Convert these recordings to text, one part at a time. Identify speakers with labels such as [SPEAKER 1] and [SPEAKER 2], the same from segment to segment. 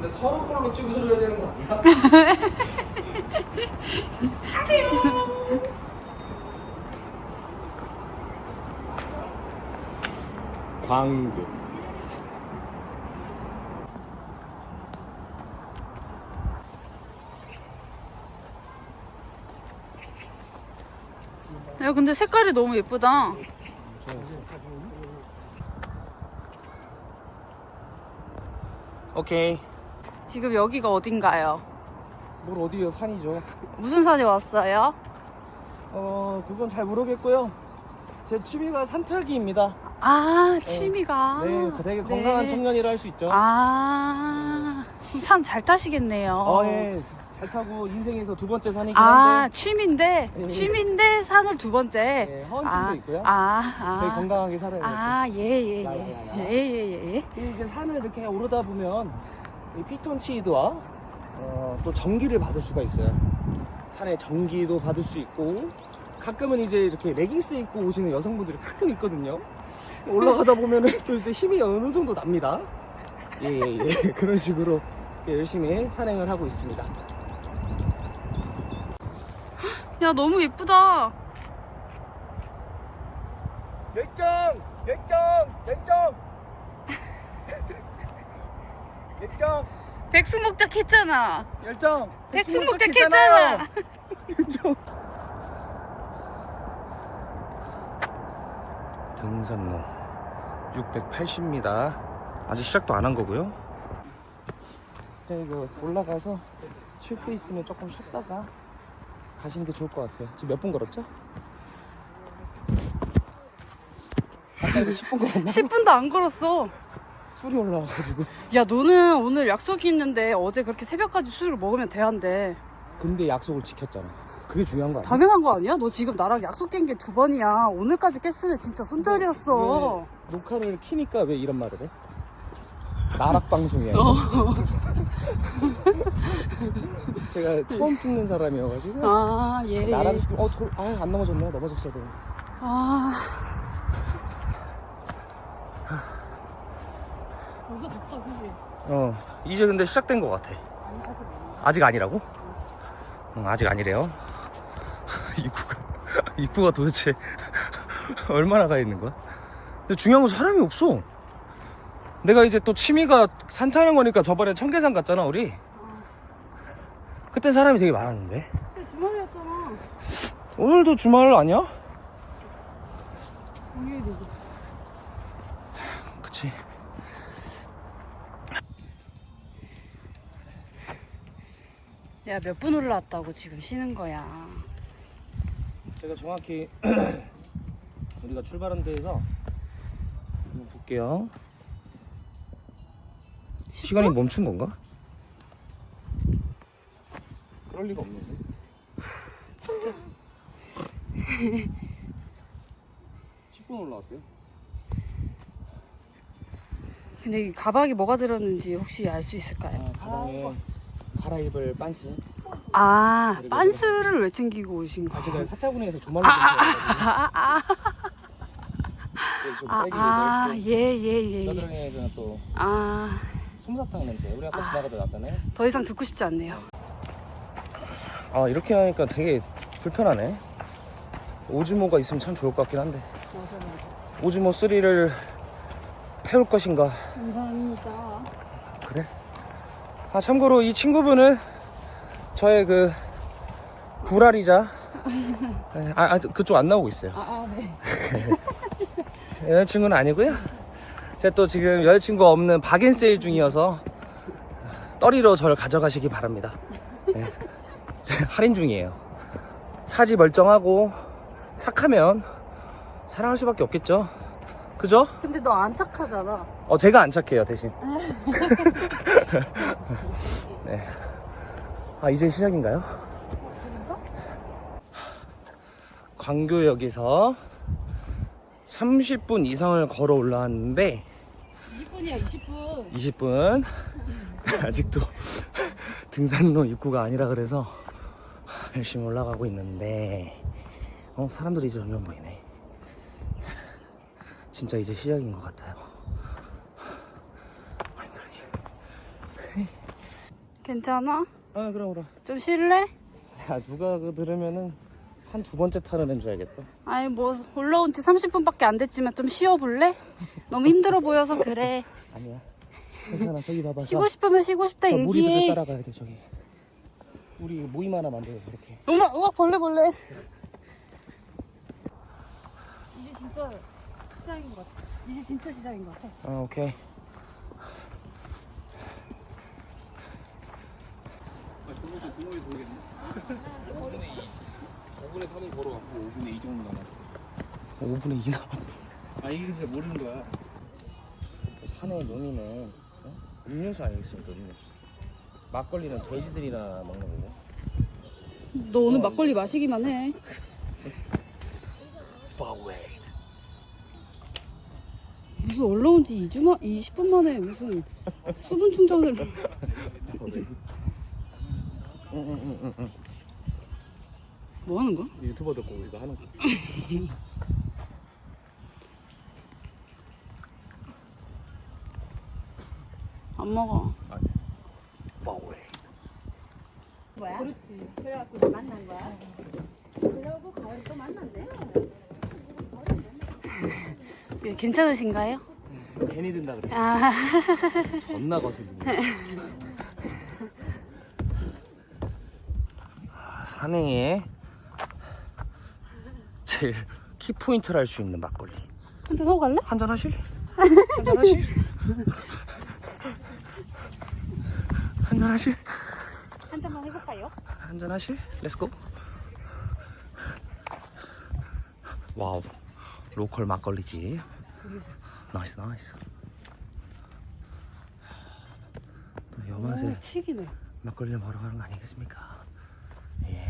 [SPEAKER 1] 근데 서로 걸로 찍어줘야 되는 거 아니야? 광교.
[SPEAKER 2] 야, 근데 색깔이 너무 예쁘다.
[SPEAKER 1] 오케이.
[SPEAKER 2] 지금 여기가 어딘가요?
[SPEAKER 1] 뭘 어디요? 산이죠.
[SPEAKER 2] 무슨 산에 왔어요?
[SPEAKER 1] 그건 잘 모르겠고요. 제 취미가 산타기입니다.
[SPEAKER 2] 아, 취미가.
[SPEAKER 1] 네, 되게 건강한
[SPEAKER 2] 네.
[SPEAKER 1] 청년이라 할 수 있죠.
[SPEAKER 2] 아, 산 잘 타시겠네요.
[SPEAKER 1] 예. 잘 타고 인생에서 두 번째 산이긴
[SPEAKER 2] 아,
[SPEAKER 1] 한데.
[SPEAKER 2] 취미인데,
[SPEAKER 1] 네.
[SPEAKER 2] 취미인데 산을 두 번째.
[SPEAKER 1] 네, 허언증도 있고요. 되게 건강하게 살아요.
[SPEAKER 2] 아, 예, 예,
[SPEAKER 1] 야야야야.
[SPEAKER 2] 예. 예, 예, 예.
[SPEAKER 1] 이게 산을 이렇게 오르다 보면 이 피톤치드와 또 전기를 받을 수가 있어요. 산에 전기도 받을 수 있고 가끔은 이제 이렇게 레깅스 입고 오시는 여성분들이 가끔 있거든요. 올라가다 보면은 또 이제 힘이 어느 정도 납니다. 예. 그런 식으로 열심히 산행을 하고 있습니다.
[SPEAKER 2] 야, 너무 예쁘다.
[SPEAKER 1] 열정!
[SPEAKER 2] 백숙목적 했잖아.
[SPEAKER 1] 열정!
[SPEAKER 2] 백숙목적 했잖아.
[SPEAKER 1] 열정! 등산로 680m. 아직 시작도 안 한 거고요. 이거 올라가서 쉴 때 있으면 조금 쉬었다가 가시는 게 좋을 것 같아요. 지금 몇 분 걸었죠? 아까 이거 10분 걸었나?
[SPEAKER 2] 10분도 안 걸었어.
[SPEAKER 1] 술이 올라와가지고.
[SPEAKER 2] 야, 너는 오늘 약속이 있는데 어제 그렇게 새벽까지 술을 먹으면 돼한대.
[SPEAKER 1] 근데 약속을 지켰잖아. 그게 중요한 거 아니야?
[SPEAKER 2] 당연한 거 아니야? 너 지금 나랑 약속 깬 게 두 번이야. 오늘까지 깼으면 진짜 손절이었어.
[SPEAKER 1] 왜 녹화를 키니까 왜 이런 말을 해? 나락 방송이야. 제가 처음 찍는 사람이어가지고.
[SPEAKER 2] 아, 예.
[SPEAKER 1] 나락 시키면 안 넘어졌네요. 넘어졌어야 돼.
[SPEAKER 2] 아. 벌써 덥다, 그지?
[SPEAKER 1] 이제 근데 시작된 것 같아. 아직 아니라고? 아직 아니래요. 입구가 도대체 얼마나 가 있는 거야? 근데 중요한 건 사람이 없어. 내가 이제 또 취미가 산 타는 거니까 저번에 청계산 갔잖아, 우리. 그때 사람이 되게 많았는데.
[SPEAKER 2] 근데 주말이었잖아.
[SPEAKER 1] 오늘도 주말 아니야?
[SPEAKER 2] 공휴일이지.
[SPEAKER 1] 그치.
[SPEAKER 2] 야, 몇 분 올라왔다고 지금 쉬는 거야.
[SPEAKER 1] 제가 정확히 우리가 출발한 데에서 한번 볼게요. 시간이 멈춘 건가? 그럴 리가 없는데.
[SPEAKER 2] 진짜.
[SPEAKER 1] 10분 올라왔대요.
[SPEAKER 2] 근데 이 가방에 뭐가 들었는지 혹시 알 수 있을까요?
[SPEAKER 1] 가방에 갈아입을 빤스.
[SPEAKER 2] 아, 빤스를 왜 챙기고 오신 거야?
[SPEAKER 1] 제가 사타구니에서 조말로
[SPEAKER 2] 예.
[SPEAKER 1] 겨드랑이에서는 또
[SPEAKER 2] 아,
[SPEAKER 1] 솜사탕 냄새. 우리 아까 지나가다 났잖아요.
[SPEAKER 2] 더 이상 듣고 싶지 않네요.
[SPEAKER 1] 이렇게 하니까 되게 불편하네. 오즈모가 있으면 참 좋을 것 같긴 한데. 오즈모 3를 태울 것인가?
[SPEAKER 2] 감사합니다.
[SPEAKER 1] 그래? 참고로 이 친구분은 저의 그 불알이자 그쪽 안 나오고 있어요.
[SPEAKER 2] 네.
[SPEAKER 1] 여자친구는 아니고요. 제가 또 지금 여자친구 없는 박앤세일 중이어서 떨이로 저를 가져가시기 바랍니다. 네. 할인 중이에요. 사지 멀쩡하고 착하면 사랑할 수밖에 없겠죠. 그죠?
[SPEAKER 2] 근데 너 안 착하잖아.
[SPEAKER 1] 제가 안 착해요, 대신. 네. 이제 시작인가요? 광교역에서 30분 이상을 걸어 올라왔는데
[SPEAKER 2] 20분이야, 20분.
[SPEAKER 1] 20분 아직도 등산로 입구가 아니라 그래서 열심히 올라가고 있는데 사람들이 이제 점점 보이네. 진짜 이제 시작인 것 같아요. 힘들지.
[SPEAKER 2] 괜찮아?
[SPEAKER 1] 아 그럼.
[SPEAKER 2] 좀 쉴래?
[SPEAKER 1] 야 누가 그 들으면은 산 두 번째 타는 애인 줄 알겠다.
[SPEAKER 2] 아니 뭐 올라온 지 30분밖에 안 됐지만 좀 쉬어볼래? 너무 힘들어 보여서 그래.
[SPEAKER 1] 아니야. 괜찮아. 저기 봐봐.
[SPEAKER 2] 쉬고 싶으면 쉬고 싶다
[SPEAKER 1] 저 무리들
[SPEAKER 2] 얘기해.
[SPEAKER 1] 따라가야 돼 저기. 우리 모임 하나 만들어서 이렇게.
[SPEAKER 2] 엄마, 벌레. 이제 진짜 시작인 것 같아. 이제 진짜 시작인 것 같아.
[SPEAKER 1] 오케이.
[SPEAKER 3] 저번에 공원에서 오겠네. 5분에 3은 걸어왔고 5분에 2 정도 남았어.
[SPEAKER 1] 5분의 2 남았어.
[SPEAKER 3] 아 이게 진짜 모르는 거야.
[SPEAKER 1] 산의 놈이는 음료수 아니겠습니까? 음료수. 막걸리는 돼지들이나 먹는 거고.
[SPEAKER 2] 너 오늘 막걸리 마시기만 해. 무슨 올라온 지 20분 만에 무슨 수분 충전을.
[SPEAKER 1] 응.
[SPEAKER 2] 뭐 하는 거야?
[SPEAKER 1] 유튜버들 거 이거 하는 거.
[SPEAKER 2] 안 먹어.
[SPEAKER 4] 거야? 그렇지. 그래갖고 이제 만난 거야. 그러고 가을 또 만난대.
[SPEAKER 2] 예, 괜찮으신가요?
[SPEAKER 1] 괜히 든다 그래.
[SPEAKER 2] 아,
[SPEAKER 1] 겁나 거슬리네. 산행에 제일 키포인트를 할 수 있는 막걸리.
[SPEAKER 2] 한잔 하고 갈래?
[SPEAKER 1] 한잔 하실? 한잔 하실? 한잔 하실?
[SPEAKER 2] 한잔만 해볼까요?
[SPEAKER 1] 한잔 하실? 렛츠고. 와우, 로컬 막걸리지. 나이스. 또 여맛에
[SPEAKER 2] 치기네.
[SPEAKER 1] 막걸리를 먹으러 가는 거 아니겠습니까? 예.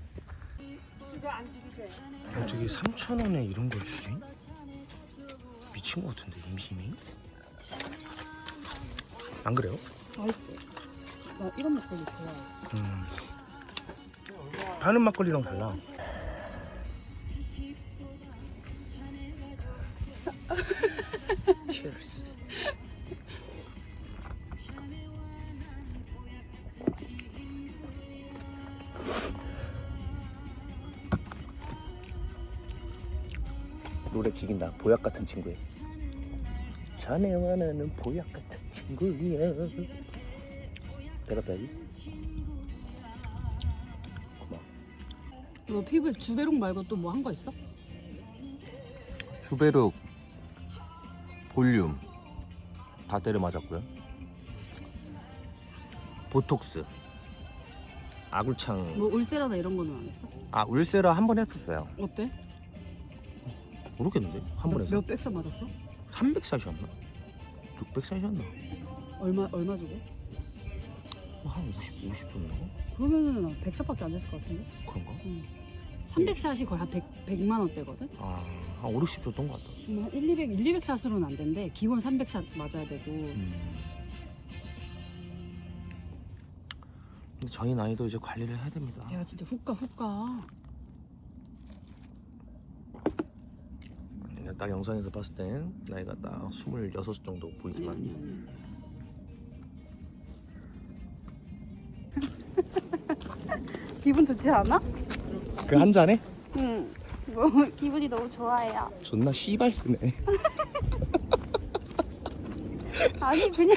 [SPEAKER 1] 어떻게 3,000원에 이런 걸 주지? 미친 것 같은데 임심이? 안 그래요?
[SPEAKER 2] 맛있어. 나 이런 막걸리 좋아해.
[SPEAKER 1] 파는 막걸리랑 달라. Cheers. 노래 죽인다. 보약 같은 친구야. 자네와 나는 보약 같은 친구야. 대답해야지. 고마워.
[SPEAKER 2] 너 피부에 주베록 말고 또 뭐 한 거 있어?
[SPEAKER 3] 주베륵 볼륨 다 때려 맞았고요.
[SPEAKER 1] 보톡스, 아굴창.
[SPEAKER 2] 뭐 울세라나 이런 거는 안 했어?
[SPEAKER 1] 아 울세라 한 번 했었어요.
[SPEAKER 2] 어때?
[SPEAKER 1] 모르겠는데 한 번 해서
[SPEAKER 2] 몇 백샷 맞았어?
[SPEAKER 1] 300샷이었나? 600샷이었나?
[SPEAKER 2] 얼마 주고?
[SPEAKER 1] 한 50 정도?
[SPEAKER 2] 그러면은 100샷밖에 안 됐을 것 같은데?
[SPEAKER 1] 그런가?
[SPEAKER 2] 300샷이 거의 한 100만 원대거든?
[SPEAKER 1] 아, 한 5, 60 줬던 것 같다.
[SPEAKER 2] 한 200샷으로는 안 된대. 기본 300샷 맞아야 되고.
[SPEAKER 1] 근데 저희 나이도 이제 관리를 해야 됩니다.
[SPEAKER 2] 야 진짜 훅가.
[SPEAKER 1] 딱 영상에서 봤을 땐 나이가 딱 26 정도 보이지만
[SPEAKER 2] 아니. 기분 좋지 않아?
[SPEAKER 1] 그 한 잔에?
[SPEAKER 2] 응. 뭐 기분이 너무 좋아요.
[SPEAKER 1] 존나 씨발 쓰네.
[SPEAKER 2] 아니 그냥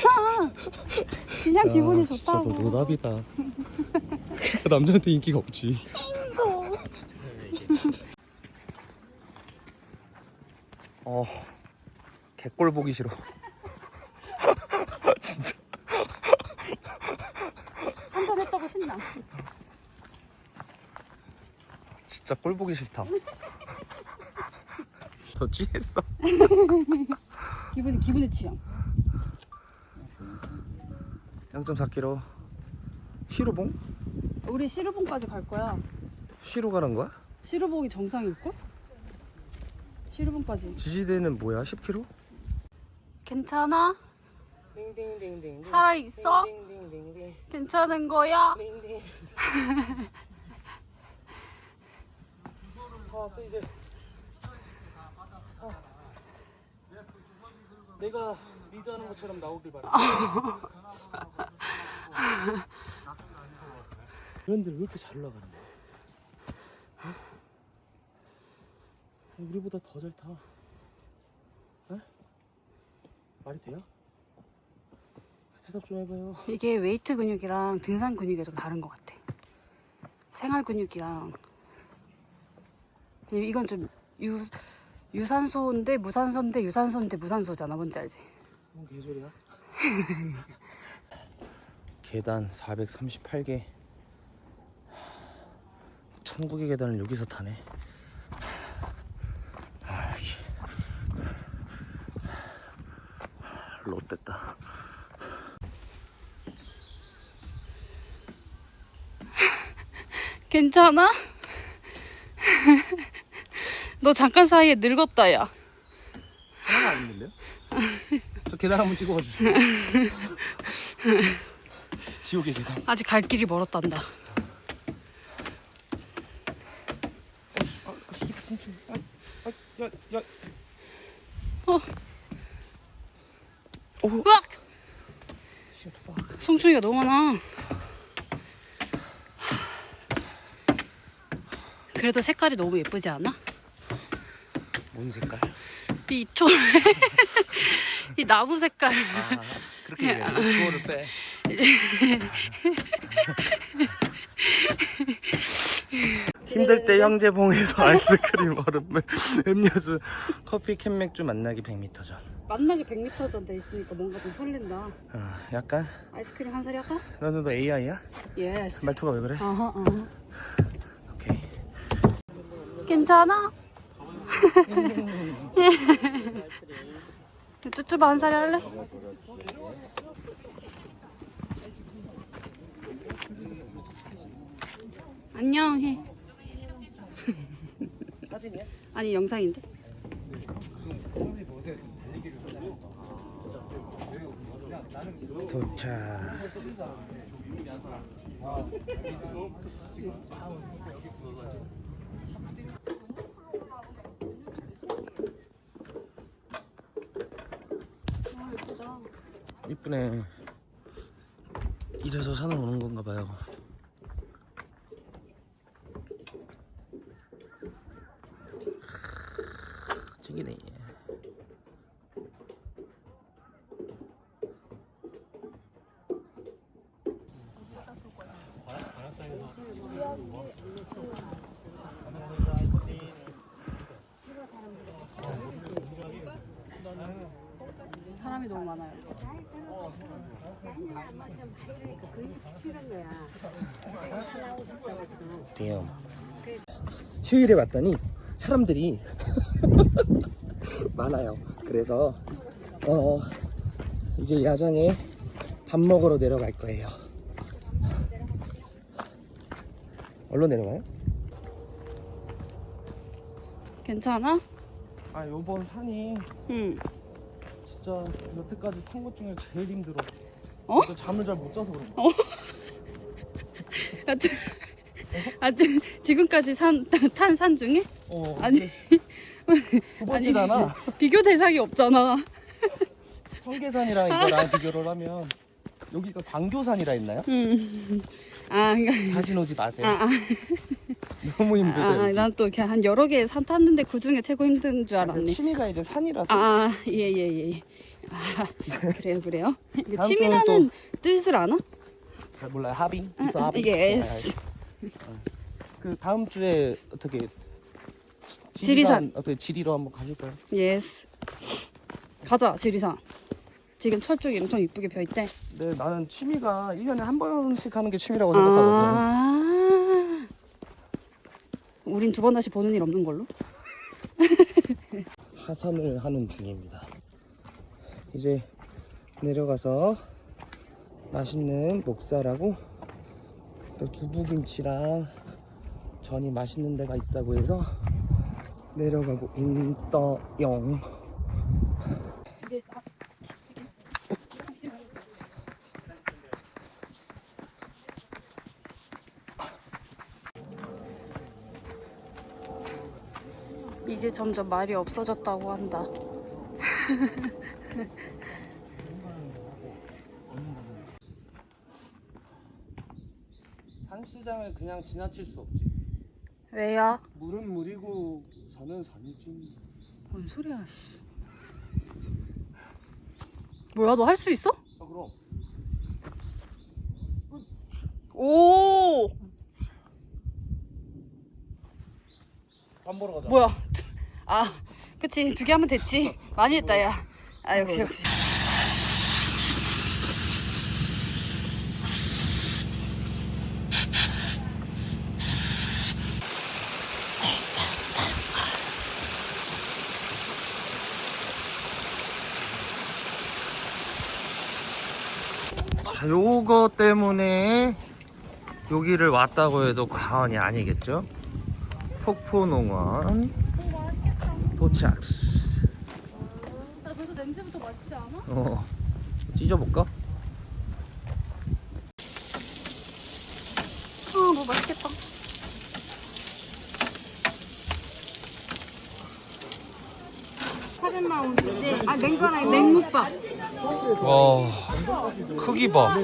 [SPEAKER 2] 기분이
[SPEAKER 1] 진짜
[SPEAKER 2] 좋다고.
[SPEAKER 1] 너 노답이다. 남자한테 인기가 없지. 개꼴 보기 싫어. 진짜.
[SPEAKER 2] 한잔 했다고 신나.
[SPEAKER 1] 진짜 꼴 보기 싫다. 너 취했어?
[SPEAKER 2] 기분의 취향.
[SPEAKER 1] 0.4km. 시루봉?
[SPEAKER 2] 우리 시루봉까지 갈 거야.
[SPEAKER 1] 시루 가는 거야?
[SPEAKER 2] 시루봉이 정상일걸? 시루봉까지.
[SPEAKER 1] 지지대는 뭐야? 10km?
[SPEAKER 2] 괜찮아? 살아있어? 괜찮은 거야?
[SPEAKER 1] 왔어 이제. 내가 리드하는 것처럼 나오길 바래. 그런데 왜 이렇게 잘 나가는 거야? 어? 우리보다 더 잘 타. 어? 말이 돼요? 대답 좀 해봐요.
[SPEAKER 2] 이게 웨이트 근육이랑 등산 근육이 좀 다른 것 같아. 생활 근육이랑 이건 좀 유산소인데 무산소인데 유산소인데 무산소잖아. 뭔지 알지?
[SPEAKER 1] 뭔 개소리야? 계단 438개 1000국의 계단을 여기서 타네. 롯됐다.
[SPEAKER 2] 괜찮아? 너 잠깐 사이에 늙었다 야.
[SPEAKER 1] 하나가 안 들려요? 저 계단 한번 찍어봐 주세요. 지옥의 계단.
[SPEAKER 2] 아직 갈 길이 멀었단다.
[SPEAKER 1] 야.
[SPEAKER 2] 으악! 송충이가 너무 많아. 그래도 색깔이 너무 예쁘지 않아?
[SPEAKER 1] 뭔 색깔?
[SPEAKER 2] 이 이 나무 색깔.
[SPEAKER 1] 그렇게 얘기해. 주어를 빼. 힘들 때 형제봉에서 아이스크림, 얼음, 음료수, 커피, 캔 맥주 만나기 100m 전.
[SPEAKER 2] 만나기 100m 전 돼 있으니까 뭔가 좀 설렌다.
[SPEAKER 1] 약간
[SPEAKER 2] 아이스크림 한 사리 할까?
[SPEAKER 1] 너는 너 AI야?
[SPEAKER 2] 예스.
[SPEAKER 1] 말투가 왜 그래?
[SPEAKER 2] 어허.
[SPEAKER 1] 오케이.
[SPEAKER 2] 괜찮아? 쭈쭈바 한 사리 할래? 안녕 해.
[SPEAKER 1] 사진이야?
[SPEAKER 2] 아니 영상인데.
[SPEAKER 1] 도착. 이쁘네. 이래서 산을 오는 건가 봐요. 찌기네.
[SPEAKER 2] 사람이 너무 많아요.
[SPEAKER 1] 돼요. 휴일에 왔더니 사람들이 많아요. 그래서 이제 야장에 밥 먹으러 내려갈 거예요. 얼른 내려가요?
[SPEAKER 2] 괜찮아?
[SPEAKER 1] 아, 요번 산이
[SPEAKER 2] 응.
[SPEAKER 1] 진짜 여태까지 탄 것 중에 제일 힘들어.
[SPEAKER 2] 어?
[SPEAKER 1] 또 잠을 잘 못 자서 그런 거.
[SPEAKER 2] 지금까지 탄 산 중에? 아니.
[SPEAKER 1] 두 번째잖아.
[SPEAKER 2] 비교 대상이 없잖아.
[SPEAKER 1] 청계산이랑 이거랑 비교를 하면 여기가 광교산이라 했나요?
[SPEAKER 2] 그러니까.
[SPEAKER 1] 다시 오지 마세요. 너무 힘들어요.
[SPEAKER 2] 난 또 이렇게 한 여러 개 산 탔는데 그 중에 최고 힘든 줄 알았네.
[SPEAKER 1] 취미가 이제 산이라서.
[SPEAKER 2] 예. 그래요.
[SPEAKER 1] 다음
[SPEAKER 2] 취미라는 뜻을 아나?
[SPEAKER 1] 잘 몰라요. 하비? 있어 하비?
[SPEAKER 2] 예스.
[SPEAKER 1] 그 다음 주에 어떻게
[SPEAKER 2] 지리산.
[SPEAKER 1] 어떻게 지리로 한번 가실까요?
[SPEAKER 2] 예스. 가자 지리산. 지금 철쭉이 엄청 이쁘게 펴있대.
[SPEAKER 1] 네, 나는 취미가 1년에 한 번씩 하는 게 취미라고 생각하거든.
[SPEAKER 2] 우린 2번 다시 보는 일 없는 걸로?
[SPEAKER 1] 하산을 하는 중입니다. 이제 내려가서 맛있는 목살하고 또 두부김치랑 전이 맛있는 데가 있다고 해서 내려가고 있어요.
[SPEAKER 2] 이제 점점 말이 없어졌다고 한다.
[SPEAKER 1] 한스장을 그냥 지나칠 수 없지.
[SPEAKER 2] 왜요?
[SPEAKER 1] 물은 물이고 선은 선이지.
[SPEAKER 2] 뭔 소리야, 씨. 뭐야, 너 할 수 있어?
[SPEAKER 1] 아 그럼.
[SPEAKER 2] 오!
[SPEAKER 1] 밥 먹으러 가자.
[SPEAKER 2] 뭐야? 아, 그치. 2개 하면 됐지. 많이 했다, 야. 아, 역시.
[SPEAKER 3] 자, 요거 때문에 여기를 왔다고 해도 과언이 아니겠죠? 폭포농원 도착.
[SPEAKER 2] 나 벌써 냄새부터 맛있지 않아?
[SPEAKER 3] 찢어볼까?
[SPEAKER 2] 뭐 맛있겠다.
[SPEAKER 4] 파덴마운드인데 아 냉도 하나 있네.
[SPEAKER 2] 냉묵밥.
[SPEAKER 3] 와, 크기 봐.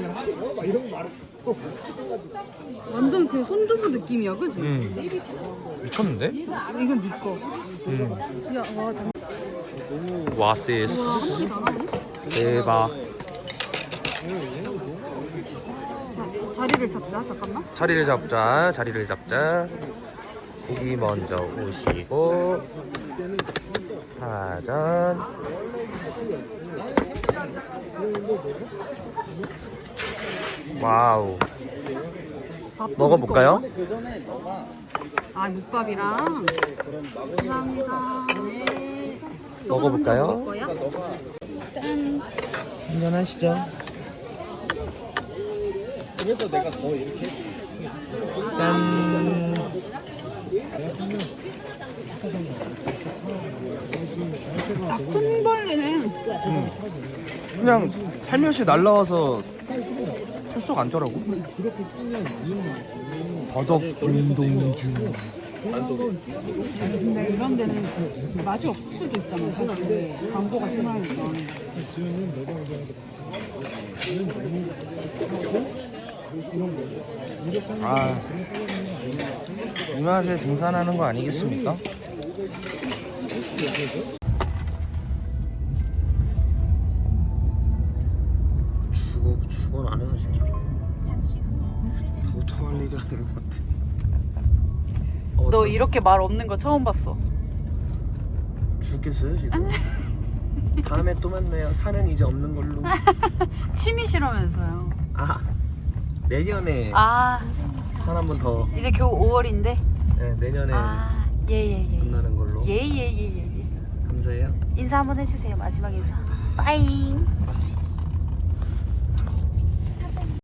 [SPEAKER 2] 완전 그 손두부 느낌이야, 그치?
[SPEAKER 3] 미쳤는데?
[SPEAKER 2] 이건 네 거. 야, 와,
[SPEAKER 3] 와시스. 대박.
[SPEAKER 2] 자리를 잡자, 잠깐만.
[SPEAKER 3] 자리를 잡자, 자리를 잡자. 고기 먼저 오시고 사전. 와우. 먹어볼까요?
[SPEAKER 2] 아, 묵밥이랑. 감사합니다. 네.
[SPEAKER 3] 먹어볼까요?
[SPEAKER 2] 짠.
[SPEAKER 3] 한잔하시죠.
[SPEAKER 1] 그래서 내가 더 이렇게 했지.
[SPEAKER 3] 짠.
[SPEAKER 2] 큰 벌레네.
[SPEAKER 3] 그냥 살며시 날라와서 털썩 않더라고. 버덕 운동주.
[SPEAKER 2] 근데 이런 데는 맛이 없을 수도 있잖아, 사실. 광고가 심하니까.
[SPEAKER 3] 아, 이 맛에 등산하는 거 아니겠습니까? 죽어 안 해요 진짜. 보통 할 일이 아닌 것 같아.
[SPEAKER 2] 너 이렇게 말 없는 거 처음 봤어.
[SPEAKER 3] 죽겠어요 지금. 다음에 또 만나요. 산은 이제 없는 걸로.
[SPEAKER 2] 취미시라면서요.
[SPEAKER 3] 아, 내년에
[SPEAKER 2] 아,
[SPEAKER 3] 산 한 번 더.
[SPEAKER 2] 이제 겨우 5월인데.
[SPEAKER 3] 네, 내년에
[SPEAKER 2] 아, 예예예.
[SPEAKER 3] 만나는 걸로.
[SPEAKER 2] 예예예예.
[SPEAKER 3] 감사해요.
[SPEAKER 2] 인사 한번 해주세요. 마지막 인사. 빠잉.